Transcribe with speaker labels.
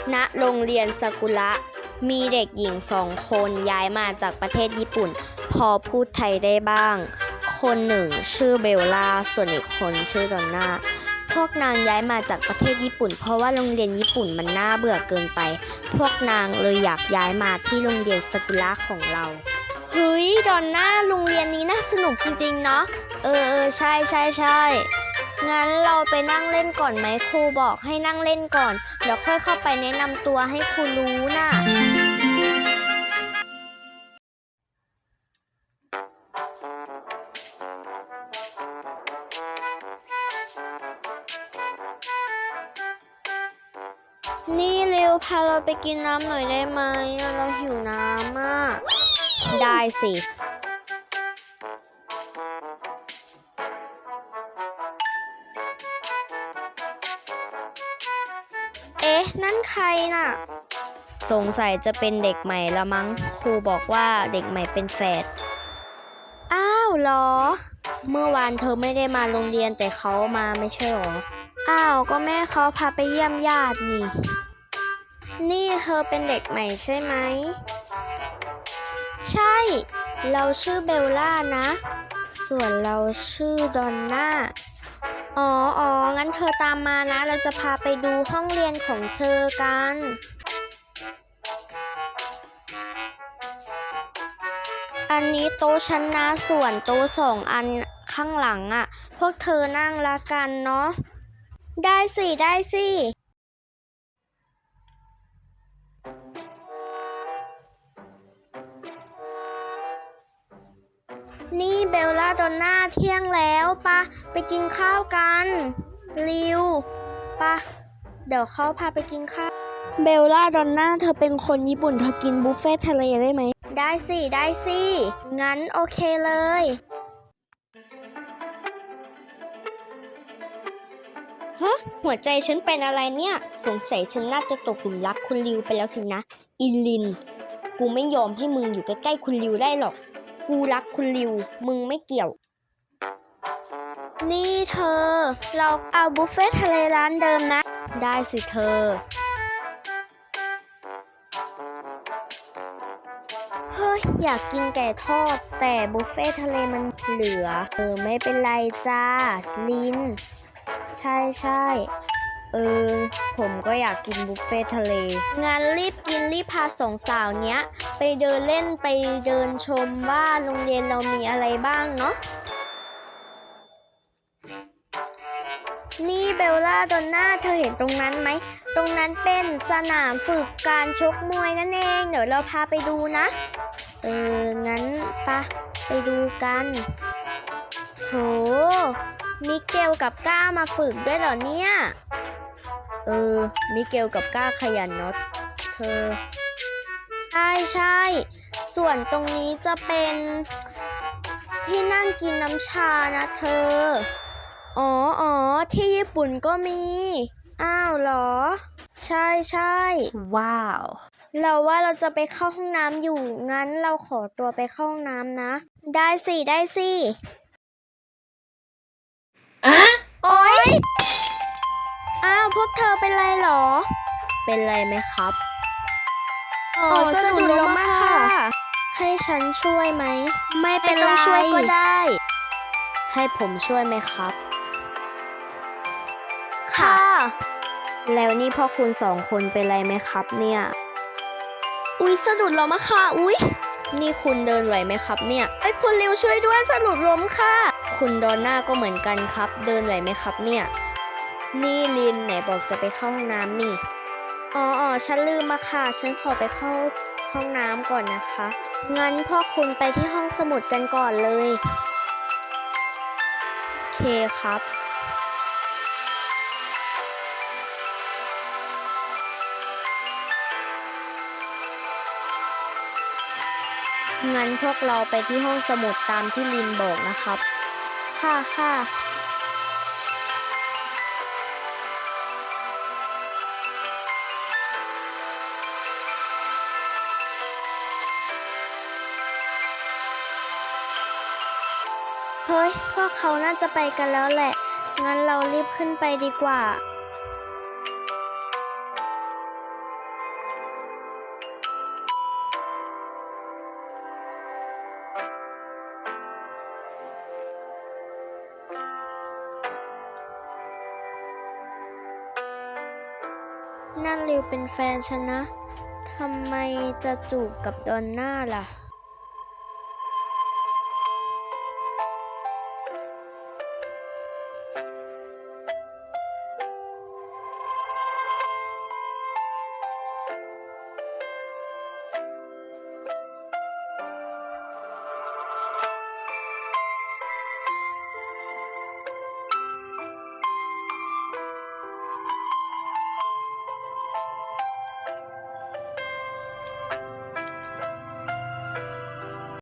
Speaker 1: ณโรงเรียนซากุระมีเด็กหญิง2 คนย้ายมาจากประเทศญี่ปุ่นพอพูดไทยได้บ้างคนหนึ่งชื่อเบลล่าส่วนอีกคนชื่อดอนน่าพวกนางย้ายมาจากประเทศญี่ปุ่นเพราะว่าโรงเรียนญี่ปุ่นมันน่าเบื่อเกินไปพวกนางเลยอยากย้ายมาที่โรงเรียนซากุระของเราเฮ้ยดอนน่าโรงเรียนนี้น่าสนุกจริงๆเนาะใช่ใช่ใช่งั้นเราไปนั่งเล่นก่อนไหมครูบอกให้นั่งเล่นก่อนเดี๋ยวค่อยเข้าไปแนะนำตัวให้ครูรู้น่ะนี่เร็วพาเราไปกินน้ำหน่อยได้ไหมเราหิวน้ำมากได้สิเอ๊ะนั่นใครน่ะสงสัยจะเป็นเด็กใหม่ละมั้งครูบอกว่าเด็กใหม่เป็นแฝดอ้าวเหรอเมื่อวานเธอไม่ได้มาโรงเรียนแต่เขามาไม่ใช่หรออ้าวก็แม่เขาพาไปเยี่ยมญาตินี่เธอเป็นเด็กใหม่ใช่ไหมใช่เราชื่อเบลล่านะส่วนเราชื่อดอนน่าอ๋องั้นเธอตามมานะเราจะพาไปดูห้องเรียนของเธอกันอันนี้โต๊ะชั้นนะส่วนโต๊ะ2 อันข้างหลังอ่ะพวกเธอนั่งละกันเนาะได้สินี่เบลล่าดอนน่าเที่ยงแล้วปะไปกินข้าวกันริวปะเดี๋ยวเขาพาไปกินข้าวเบลล่าดอนน่าเธอเป็นคนญี่ปุ่นเธอกินบุฟเฟ่ทะเลได้ไหมได้สิงั้นโอเคเลยฮะหัวใจฉันเป็นอะไรเนี่ยสงสัยฉันน่าจะตกหลุมรักคุณริวไปแล้วสินะอิลินกูไม่ยอมให้มึงอยู่ใกล้ๆคุณริวได้หรอกกูรักคุณริวมึงไม่เกี่ยวนี่เธอเราเอาบุฟเฟ่ทะเลร้านเดิมนะได้สิเธอเฮ้ยอยากกินไก่ทอดแต่บุฟเฟ่ทะเลมันเหลือไม่เป็นไรจ้าลินใช่ผมก็อยากกินบุฟเฟ่ทะเลงั้นรีบกินรีบพา2 สาวเนี้ยไปเดินเล่นไปเดินชมว่าโรงเรียนเรามีอะไรบ้างเนาะนี่เบลล่าดอนน่าเธอเห็นตรงนั้นไหมตรงนั้นเป็นสนามฝึกการชกมวยนั่นเองเดี๋ยวเราพาไปดูนะงั้นปะไปดูกันโหมิเกลกับก้ามาฝึกด้วยเหรอเนี่ยมิเกลกับก้าขยันเนาะเธอใช่ส่วนตรงนี้จะเป็นที่นั่งกินน้ำชานะเธออ๋อที่ญี่ปุ่นก็มีอ้าวเหรอใช่ว้าวเราว่าเราจะไปเข้าห้องน้ำอยู่งั้นเราขอตัวไปเข้าห้องน้ำนะได้สิอะโอ๊ยอ้าวพวกเธอเป็นไรหรอเป็นไรไหมครับสะดุดล้มมาค่ะให้ฉันช่วยไหมไม่เป็นไรช่วยก็ได้ให้ผมช่วยไหมครับค่ะแล้วนี่พ่อคุณ2 คนเป็นไรไหมครับเนี่ยอุ๊ยสะดุดล้มอะค่ะอุ๊ยนี่คุณเดินไหวไหมครับเนี่ยคุณริวช่วยด้วยสะดุดล้มค่ะคุณดอนน่าก็เหมือนกันครับเดินไหวไหมครับเนี่ยนี่ลินไหนบอกจะไปเข้าห้องน้ำนี่อ๋อฉันลืมมาค่ะฉันขอไปเข้าห้องน้ำก่อนนะคะงั้นพ่อคุณไปที่ห้องสมุดกันก่อนเลยโอเคครับงั้นพวกเราไปที่ห้องสมุดตามที่ลินบอกนะครับค่ะเฮ้ยพวกเขาน่าจะไปกันแล้วแหละงั้นเรารีบขึ้นไปดีกว่านั่นริวเป็นแฟนฉันนะ ทำไมจะจูบกับดอนน่าล่ะ